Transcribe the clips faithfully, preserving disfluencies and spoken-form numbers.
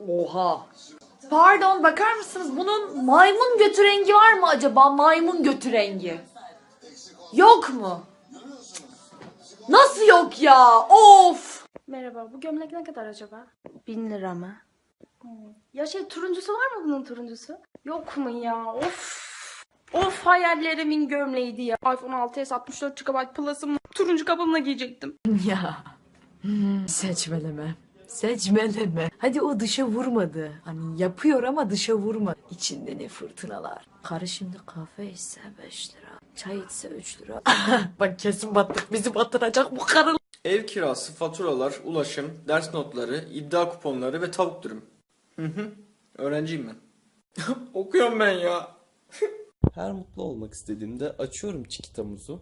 Oha. Pardon, bakar mısınız? Bunun maymun götü rengi var mı acaba? Maymun götü rengi. Yok mu? Nasıl yok ya? Of. Merhaba, bu gömlek ne kadar acaba? Bin lira mı? Hmm. Ya şey turuncusu var mı bunun turuncusu? Yok mu ya? Of. Of, hayallerimin gömleğiydi ya. iPhone altı s altmış dört gigabayt Plus'ım turuncu kabuğuna giyecektim. Ya. Seçmeleme. Seçmeleme. Hadi o dışa vurmadı. Hani yapıyor ama dışa vurma. İçinde ne fırtınalar. Karı şimdi kahve içse beş lira. Çay içse üç lira. Bak kesin battık. Bizi batıracak bu karı. Ev kirası, faturalar, ulaşım, ders notları, iddia kuponları ve tavuk dürüm. Hı hı. Öğrenciyim ben. Okuyorum ben ya. Her mutlu olmak istediğimde açıyorum Çikitamuzu.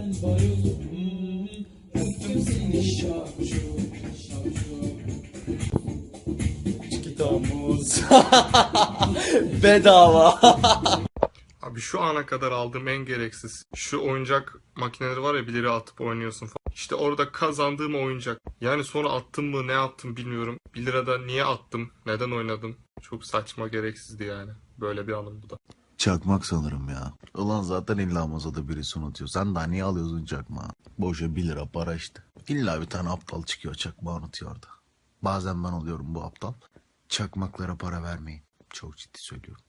Çikitamuz. Bedava. Abi şu ana kadar aldığım en gereksiz. Şu oyuncak makineleri var ya, bir lira atıp oynuyorsun falan. İşte orada kazandığım oyuncak. Yani sonra attım mı ne yaptım bilmiyorum. Bir lirada niye attım? Neden oynadım? Çok saçma, gereksizdi yani. Böyle bir anım bu da. Çakmak sanırım ya. Ulan zaten illa masada birisi unutuyor. Sen daha niye alıyorsun çakmağı? Boşa bir lira para işte. İlla bir tane aptal çıkıyor çakmağı unutuyor orada. Bazen ben oluyorum bu aptal. Çakmaklara para vermeyin. Çok ciddi söylüyorum.